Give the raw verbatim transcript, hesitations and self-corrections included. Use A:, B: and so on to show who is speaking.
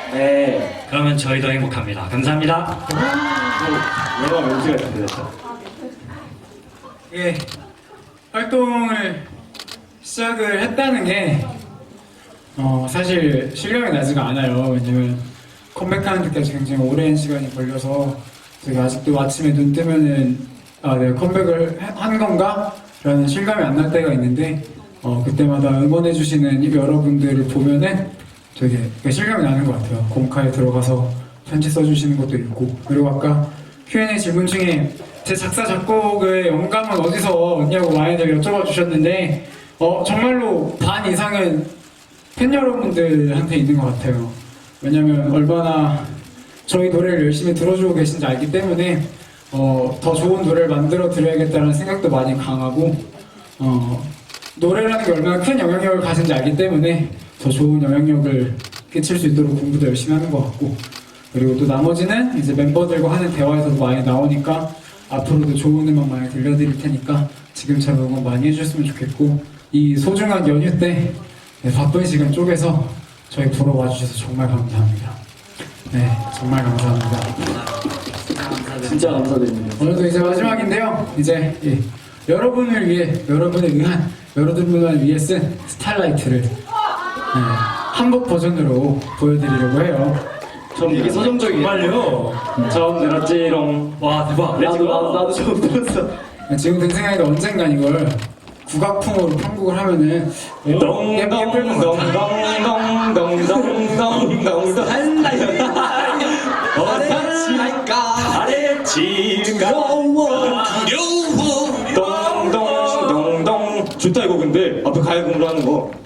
A: 네.
B: 그러면 저희도 행복합니다. 감사합니다.
A: 영화 멘트가 준비됐다.
C: 예, 활동을 시작을 했다는 게 어, 사실 실감이 나지가 않아요. 왜냐면 컴백하는 데까지 굉장히 오랜 시간이 걸려서 되게 아직도 아침에 눈 뜨면은 아, 내가 컴백을 하- 한 건가? 라는 실감이 안 날 때가 있는데 어, 그때마다 응원해주시는 여러분들을 보면은 되게 실감이 나는 것 같아요. 공카에 들어가서 편지 써주시는 것도 있고, 그리고 아까 큐 앤 에이 질문 중에 제 작사 작곡의 영감은 어디서 얻냐고 많이들 여쭤봐 주셨는데 어, 정말로 반 이상은 팬 여러분들한테 있는 것 같아요. 왜냐면 얼마나 저희 노래를 열심히 들어주고 계신지 알기 때문에 어, 더 좋은 노래를 만들어 드려야겠다는 생각도 많이 강하고 어, 노래라는 게 얼마나 큰 영향력을 가진지 알기 때문에 더 좋은 영향력을 끼칠 수 있도록 공부도 열심히 하는 것 같고, 그리고 또 나머지는 이제 멤버들과 하는 대화에서도 많이 나오니까 앞으로도 좋은 음악 많이 들려드릴 테니까 지금처럼 응원 많이 해주셨으면 좋겠고, 이 소중한 연휴 때 네, 바쁜 시간 쪼개서 저희 보러 와주셔서 정말 감사합니다. 네, 정말 감사합니다.
A: 진짜 감사드립니다.
C: 오늘도 이제 마지막인데요. 이제 예, 여러분을 위해, 여러분을 위한, 여러분을 위해 쓴 스타라이트를 네, 한국 버전으로 보여드리려고 해요.
A: 전 되게 서정적이에요.
B: 정말요?
A: 처음 들었지롱.
B: 와 대박.
A: 나도, 나도, 나도 처음 들었어.
C: 지금 든 생각인데 언젠간 이걸 국악풍으로 편곡을 하면은 예쁠 것 같아요.
A: 동동동동동동동동동동 두려워 두려워 동동동동 좋다 이거. 근데 앞에 가야 공부하는 거